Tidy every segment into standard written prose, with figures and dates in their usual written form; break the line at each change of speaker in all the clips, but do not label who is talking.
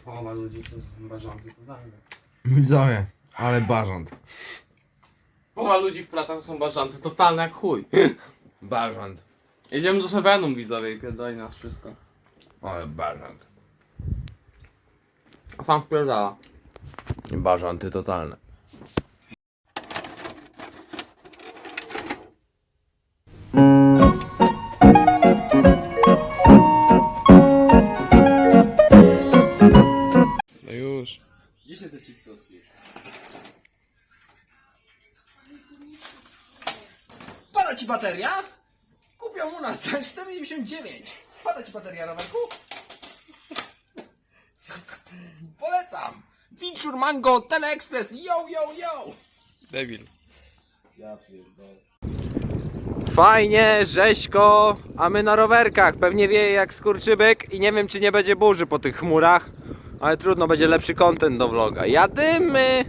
Połowa ludzi to barzący totalnie.
Widzowie, ale barząd.
Połowa ludzi w pracach to są barzący totalne jak chuj.
Barząd.
Jedziemy do Sevenum, widzowie, i pierdoli nas wszystko.
Ale barząd.
A sam wpierdala.
Barządy totalne.
No już.
Gdzie się te chipsy odpisz?
Pada ci bateria? Kupią u nas za 4,99. Pada ci bateria, rowerku? Polecam! Feature Mango Teleexpress, yo, yo, yo!
Debil.
Fajnie, rzeźko, a my na rowerkach. Pewnie wieje jak skurczybyk i nie wiem, czy nie będzie burzy po tych chmurach. Ale trudno, będzie lepszy content do vloga. Jadymy!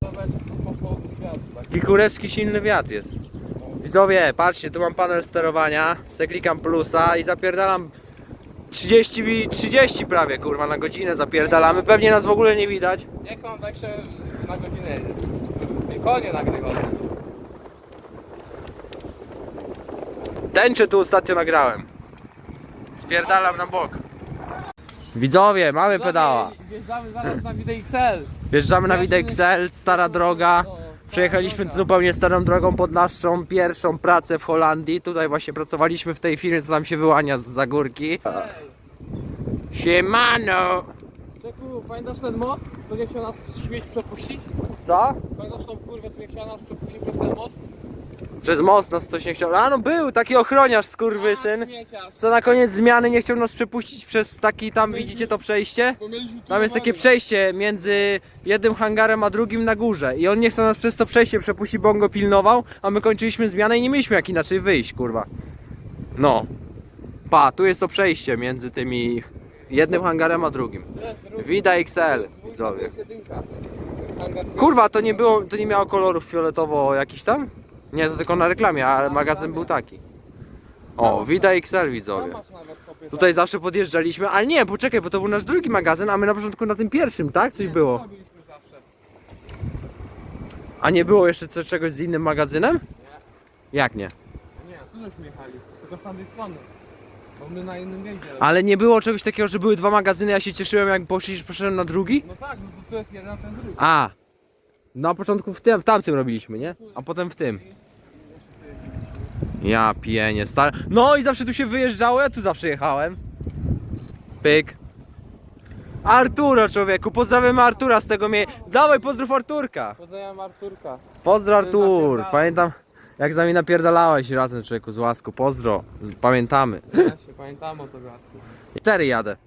Taki kurewski silny wiatr jest. Widzowie, patrzcie, tu mam panel sterowania. Se klikam plusa i zapierdalam 30 prawie, kurwa, na godzinę zapierdalamy. Pewnie nas w ogóle nie widać.
Jak mam tak się na godzinę jedziesz? Konie nagrywane.
Tęczę tu ostatnio nagrałem. Spierdalam na bok. Widzowie, mamy pedała.
Wjeżdżamy zaraz na Widę XL.
Wjeżdżamy na Widę XL, stara droga. Przejechaliśmy zupełnie starą drogą pod naszą pierwszą pracę w Holandii. Tutaj właśnie pracowaliśmy w tej firmie, co nam się wyłania z górki. Siemano!
Czeku, pamiętasz ten most, co nie chciał nas śmieć przepuścić?
Co?
Pamiętasz tą kurwę, co nie chciała nas przepuścić przez ten most?
Przez most nas coś nie chciał. A no był taki ochroniarz skurwysyn, co na koniec zmiany nie chciał nas przepuścić przez taki tam, widzicie to przejście? Tam jest takie przejście między jednym hangarem a drugim na górze i on nie chciał nas przez to przejście przepuścić, bo on go pilnował, a my kończyliśmy zmianę i nie mieliśmy jak inaczej wyjść, kurwa. No. Pa, tu jest to przejście między tymi jednym hangarem a drugim. Wida XL, widzowie. Kurwa, to nie było, to nie miało kolorów fioletowo jakiś tam? Nie, to tylko na reklamie, a magazyn był taki. O, Wida XL, widzowie. Tutaj zawsze podjeżdżaliśmy, ale nie, poczekaj, bo to był nasz drugi magazyn, a my na początku na tym pierwszym, tak? Coś było. A nie było jeszcze czegoś z innym magazynem? Jak nie?
Nie, tu żeśmy jechali, tylko z tamtej strony. Bo my na innym jeździe.
Ale nie było czegoś takiego, że były dwa magazyny, ja się cieszyłem jak poszedłem na drugi?
No tak, no to jest jeden, a ten drugi.
A! Na początku w tamtym robiliśmy, nie? A potem w tym. Ja pienię, stary. No i zawsze tu się wyjeżdżało, ja tu zawsze jechałem. Pyk. Arturo, człowieku, pozdrawiamy Artura z tego miejsca. Dawaj, pozdrów Arturka.
Pozdrawiam Arturka.
Pozdro Artur. Pamiętam jak z nami napierdalałeś razem, człowieku, z łasku. Pozdro. Pamiętamy.
Ja się pamiętam o to gadku.
4 jadę.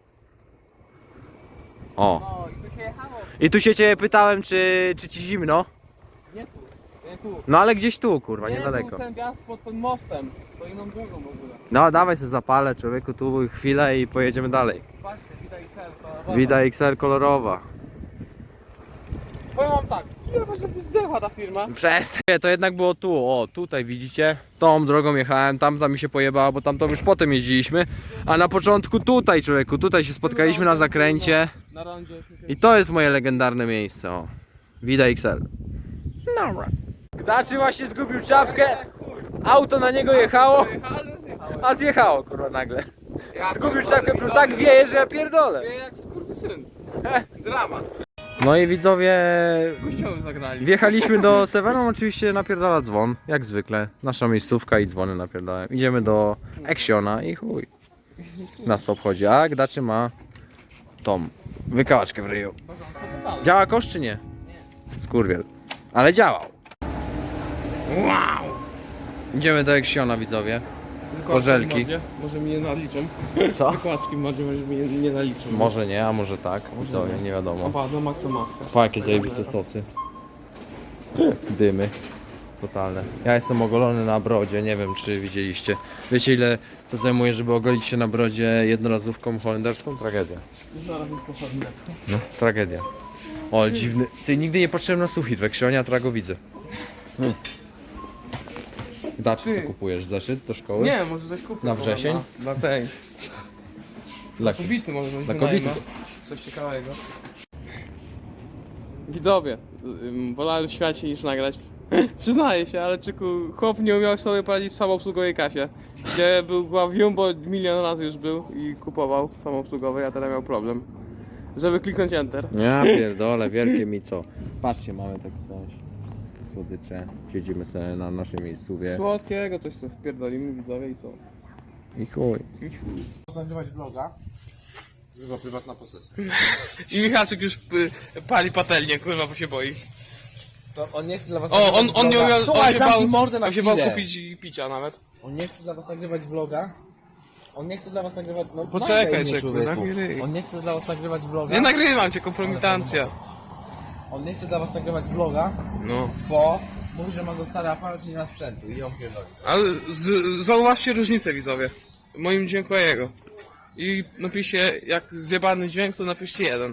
O.
No i tu się jechało.
I tu się ciebie pytałem, czy ci zimno.
Nie tu, nie tu.
No ale gdzieś tu, kurwa,
Nie
niedaleko.
tu, ten gaz pod tym mostem. To inną drogą w ogóle.
No dawaj sobie zapalę, człowieku, tu chwilę i pojedziemy dalej.
Patrzcie, widać XL.
Wida XL kolorowa.
Powiem wam tak, ile właśnie zdechła ta firma?
Przestań. To jednak było tu, o tutaj widzicie. Tą drogą jechałem, tamta mi się pojebała, bo tamtą już potem jeździliśmy. A na początku tutaj, człowieku, tutaj się spotkaliśmy na zakręcie.
Na rondzie.
I to jest moje legendarne miejsce, o. Wida XL. Dobra. Gdaczy właśnie zgubił czapkę, auto na niego jechało, a zjechało, kurwa, nagle. Zgubił czapkę, bo tak wieje, że ja pierdolę.
Wie jak skurwysyn. Dramat.
No i widzowie,
Kościoły zagrali.
wjechaliśmy do Severum, oczywiście napierdala dzwon, jak zwykle. Nasza miejscówka i dzwony napierdalają. Idziemy do Actiona i chuj. Nas to obchodzi, a Gdaczy ma tą wykałaczkę w ryju. Działa kosz czy nie? Skurwiel. Ale działał. Wow! Idziemy do Actiona, widzowie. Korzelki.
Może mi nie naliczą.
Co?
Wykładki może mi nie naliczą.
Może nie, a może tak. Widzowie, nie wiadomo.
Opa, na maksa maska.
Pa, jakie zajebiste sosy. Dymy. Totalne. Ja jestem ogolony na brodzie, nie wiem czy widzieliście. Wiecie ile to zajmuje, żeby ogolić się na brodzie jednorazówką holenderską? Tragedia.
Zaraz już poszedł leckę.
No, tragedia. O, dziwny. Ty nigdy nie patrzyłem na sufit w Actionie, a teraz go widzę. Daczy, co kupujesz? Zeszyt do szkoły?
Nie, może coś kupię.
Na wrzesień?
Dla tej.
Dla,
Kobiety może
dla kobiety.
coś ciekawego. Widzowie, wolałem w świecie niż nagrać. Przyznaję się, ale czyku, chłop nie umiał sobie poradzić w samoobsługowej kasie. Gdzie była Jumbo milion razy już był i kupował w samoobsługowej, a teraz miał problem. Żeby kliknąć Enter.
Ja pierdolę, wielkie mi co. Patrzcie, mamy takie coś. Słodycze. Siedzimy sobie na naszej miejscówie.
Słodkiego coś sobie wpierdolimy widzowie i co?
I chuj.
Nagrywać vloga. Chyba prywatna posesja.
I Michalczyk już pali patelnię, kurwa, bo się boi.
To on nie chce dla was
O, on nie umiał,
Słuchaj,
on się
zamknij
bał,
mordę na
on się bał
chwilę.
kupić picia nawet.
On nie chce dla was nagrywać vloga. On nie chce dla was nagrywać... No,
Poczekaj,
nagraj mnie,
czeku,
człowieku.
zamknij ryj.
On nie chce dla was nagrywać vloga.
Nie nagrywam cię, kompromitancja.
On nie chce dla was nagrywać vloga,
No.
bo mówi, że ma za stary aparat i nie ma sprzętu i on pierdoli.
Ale zauważcie różnicę widzowie. Moim dźwięku a jego. I napiszcie, jak zjebany dźwięk, to napiszcie 1.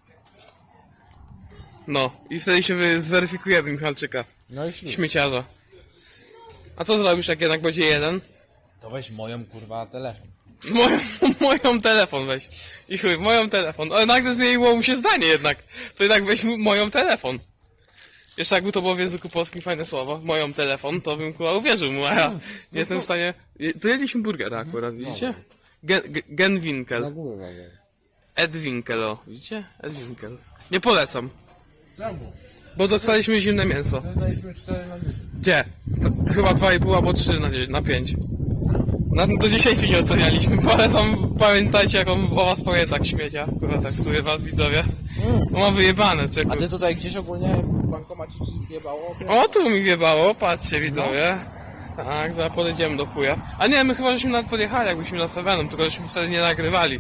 No. I wtedy się zweryfikujemy Michalczyka.
No i ślub.
Śmieciarza. A co zrobisz, jak jednak będzie 1?
To weź moją kurwa telefon.
Moją telefon weź. I chuj, moją telefon. Ale nagle zmieniło mu się zdanie jednak. To jednak weź moją telefon. Jeszcze jakby to było w języku polskim fajne słowo, moją telefon, to bym chyba uwierzył mu, a ja nie jestem w stanie... Tu jedliśmy burgera akurat, widzicie? Genwinkel. Ed Winkel, o. Widzicie? Ed Winkel. Nie polecam.
Czemu?
Bo dostaliśmy zimne mięso.
Daliśmy 4 na 10.
Gdzie? To chyba 2,5 albo 3 na 5. Do 10 nie ocenialiśmy. Polecam, pamiętajcie jak on o was powie tak śmiecia. Kurwa, tak który was widzowie. To ma wyjebane, czeku.
A ty tutaj gdzieś ogólnie w bankomacie ci zjebało?
O, tu mi wiebało, patrzcie widzowie. Tak, zaraz podejdziemy do chuja. A nie, my chyba żeśmy nawet podjechali, jakbyśmy na Sevenem, tylko żeśmy wtedy nie nagrywali.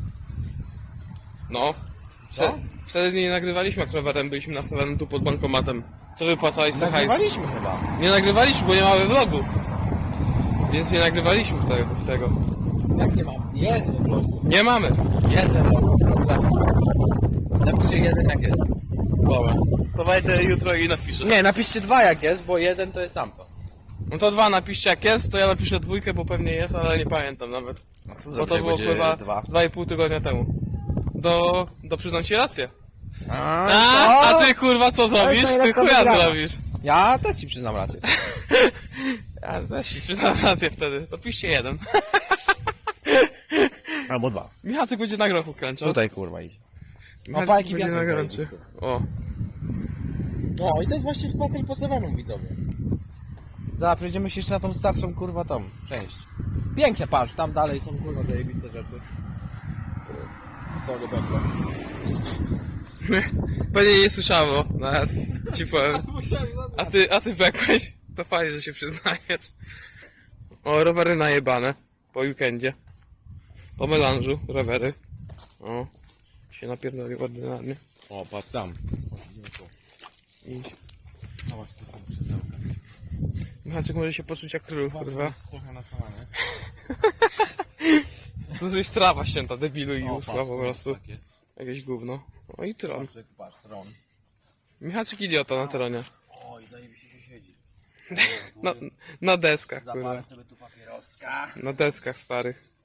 No. Wtedy nie nagrywaliśmy, jak rowerem byliśmy na Sevenem tu pod bankomatem. Co wypłacałeś za hajs?
Nagrywaliśmy chyba.
Nie nagrywaliśmy, bo nie mamy vlogu. Więc nie nagrywaliśmy tego.
Jak nie mam? Jest po prostu.
Nie mamy.
Jest napiszcie 1 jak jest.
Dobra. To wejdę jutro i napiszę.
Nie, napiszcie 2 jak jest, bo 1 to jest tamto.
No to 2 napiszcie jak jest, to ja napiszę 2, bo pewnie jest, ale nie pamiętam nawet.
A co
Bo to było chyba 2,5 tygodnia temu. Do przyznam ci rację. A ty kurwa co zrobisz? Ty
najlepsza
chuja
wygrana.
zrobisz.
Ja też ci przyznam rację.
Ja też ci przyznam rację wtedy. To piszcie 1.
Albo 2.
Michałek będzie na grochu kręczał.
Tutaj kurwa idzie.
Michałek
Opajki
będzie na
wiatru
grączy. O.
No i to jest właśnie spacer po Sevenom, widzowie. Zaraz przejdziemy się jeszcze na tą starszą kurwa tą część. Pięknie, patrz, tam dalej są kurwa zajebiste rzeczy. Sorry, Bekle.
Pewnie nie słyszało, nawet ci powiem. A ty bekłeś? To fajnie, że się przyznajesz. O, rowery najebane. Po weekendzie. Po melanżu, rowery. O. Się napierdoli ordynarnie.
O, patrz tam.
Idź. Michałczyk może się poczuć jak król, kurwa.
Jest trochę nasalane.
To jest trawa ścięta, debilu i usła po
patrz,
prostu.
takie.
Jakieś gówno. O i tron.
Patrz, tron.
Michałczyk idiota na tronie.
Oj, zajebiście się siedzi.
Na deskach, kurwa.
Zapalę sobie tu papieroska.
Na deskach starych.